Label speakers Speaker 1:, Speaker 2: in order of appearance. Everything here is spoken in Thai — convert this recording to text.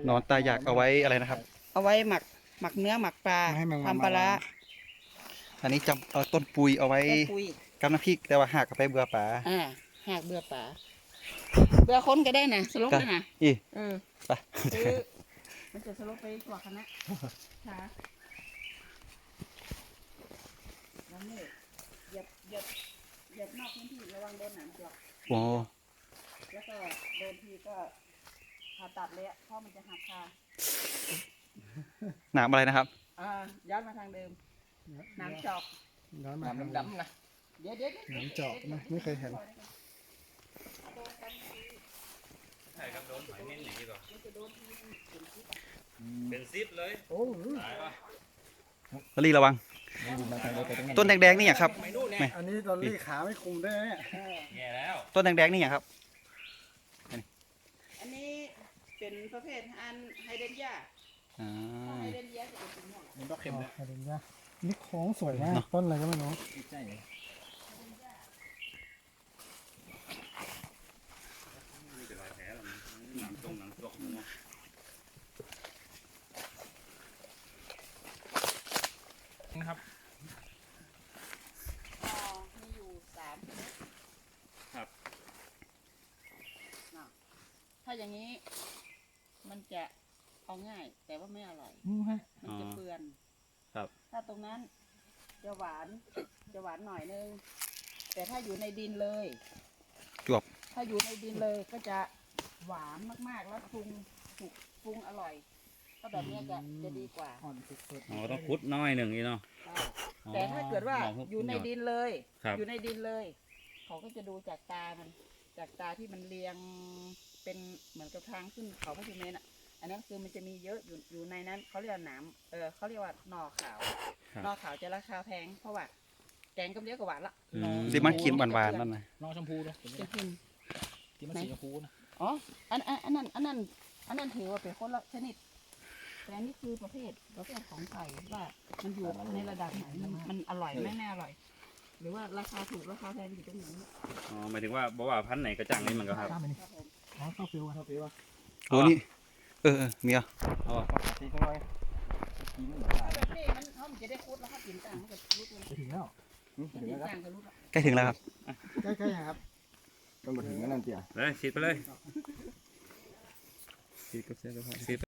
Speaker 1: หนอนตาอยากเอาไว้อะไรนะครับ
Speaker 2: เอาไว้หมักเนื้อหมักปลา
Speaker 3: ไม่ให้แมงวัน
Speaker 2: ทำปลาร้า
Speaker 1: อันนี้จำเอาต้นปุยเอาไว้
Speaker 2: ต้นปุย
Speaker 1: กับน้ำพริกแต่ว่าหักกับไปเบื่อป่า
Speaker 2: หากเบื่อป่าเบื่อคนก็ได้นะสลบได้นะ
Speaker 1: อี
Speaker 2: เออ
Speaker 1: ไป
Speaker 2: คือมันจะสลบไปกว่าคณะค่ะแล้วนี่เหยียบนอกพื้นที่ระวังโดนหนามจอก
Speaker 1: โอ้
Speaker 2: แล้วก็โดนทีก็ผ่าตัดเลยอะเพราะมันจะหักคา
Speaker 1: หนามอะไรนะครับ
Speaker 2: ย้อนมาทางเดิมหน้ำจอก
Speaker 3: ย้อนมา
Speaker 4: น้ำดำๆนะ
Speaker 2: เดี๋ยว
Speaker 3: น้ำเจาะนะไม่เคยเห็น
Speaker 4: ใช่ครับโดนหอยเม่นหนีก่อนเป็นซิปเลย
Speaker 3: โอ้โห
Speaker 4: ตายป่ะ
Speaker 1: ลลี่ระวัง ต้นแดงๆนี่อย่างครับ
Speaker 4: ไม่นู่นเนี่ย
Speaker 3: อันนี้ตอนลี่ขาไม่คุมด้วยเนี่ย
Speaker 4: แย่แล้ว
Speaker 1: ต้นแดงๆนี่อย่างครับ
Speaker 2: อันนี้เป็นประเภทอันไฮเดรนยา
Speaker 1: อ่า
Speaker 2: ไฮเดรนยาจะเป็นสีม่วง
Speaker 4: มันก็เค็มนะ
Speaker 3: อะไรเนี่ยนี่โค้งสวยมากต้นอะไรก็ไม่รู้
Speaker 4: ใช่เลยนี่เป็นรอยแผลหรอหนังตรงหนังตกมัว นะครับ
Speaker 2: มีอยู่3ชนิด
Speaker 4: ครับ
Speaker 2: ถ้าอย่างนี้มันจะเอาง่าย แต่ว่าไม่อร่อย
Speaker 3: ฮะ
Speaker 2: มันจะเปื่อน
Speaker 1: ครับ
Speaker 2: ถ้าตรงนั้นจะหวานหน่อยนึง แต่ถ้าอยู่ในดินเลย
Speaker 1: จวบ
Speaker 2: ถ้าอยู่ในดินเลยก็จะหวานมากๆ แล้วปรุงอร่อยก็แบบนี้จะดีกว่า
Speaker 3: อ่อนสุด
Speaker 4: อ๋อต้องคุดน้อยหนึ่งนี่เนาะ
Speaker 2: แต่ถ้าเกิดว่าอยู่ในดินเลย
Speaker 4: ครับ
Speaker 2: อยู่ในดินเลย เขาก็จะดูจากตามัน จากตาที่มันเรียงเป็นเหมือนกับทางขึ้นเขาพระสุเมนอ่ะ อันนั้นคือมันจะมีเยอะอยู่ในนั้นเขาเรียกว่าหนามเขาเรียกว่าหน่อขาวหน่อขาวจะราคาแพงเพราะว่าแกงก็เรียกว่าหวานละหน่อ
Speaker 1: สิมันกินหวานๆนั่นนะ
Speaker 4: น้องชมพูเนาะ
Speaker 2: จะกิน
Speaker 4: ที่มันสีชมพูนะ
Speaker 2: อ๋ออันนั้นถือว่าเป็นคนละชนิด แต่อันนี้คือประเภทของไก่ว่ามันอยู่ในระดับไหนมันอร่อยไม่แน่อร่อย หรือว่าราคาถูกราคาแพงอยู่ตรงไหน
Speaker 4: อ๋อหมายถึงว่าบอกว่าพันธุ์ไหนกระจังนี่มันก็ครับ
Speaker 3: ๆตามไปนี่
Speaker 2: ครับผม
Speaker 3: อ๋อเข้าฟิวเข้าฟิวอ่ะ
Speaker 1: โอ้นี่เมีย
Speaker 4: เอา
Speaker 3: ปกติก็ร้อยกิน
Speaker 2: แบบนี้มันจะได้คุดแล้วครับกินต่างมันก็รุดเลย
Speaker 3: ไปถึงแล้ว
Speaker 2: กินต่างก็รุดละ
Speaker 1: ใกล้ถึงแล้วครับ
Speaker 3: ใกล้ๆครับต้องมาถึงนั่นเตี้ย
Speaker 4: เลยฉีดไปเลยฉีดก็เสียก็พอฉีด